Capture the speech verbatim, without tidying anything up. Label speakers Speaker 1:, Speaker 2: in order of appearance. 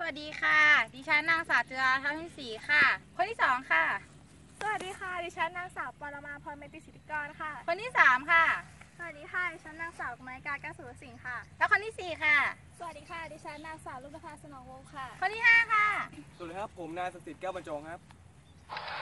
Speaker 1: วัสดีค่ะ ดิฉันนางสาวจุฬาทัพทิมศรีค่ะ คนที่สองค่ะ
Speaker 2: สวัสดีค่ะดิฉันนางสาวปรมาพรเมติสิทธิกรค่ะ
Speaker 1: คนที่สามค่ะ
Speaker 2: สวัสดีค่ะดิฉันนางสาวกมลกาแก้วสุรสิงห์ค่ะ
Speaker 1: แล้วคนที่สี่ค่ะ
Speaker 2: สวัสดีค่ะดิฉันนางสาวลุณภาสนองวงศ์ค่ะ
Speaker 1: คนที่ห้าค่ะ
Speaker 3: สวัสดีครับผมนายสสิทธิ์แก้วบรรจงครับ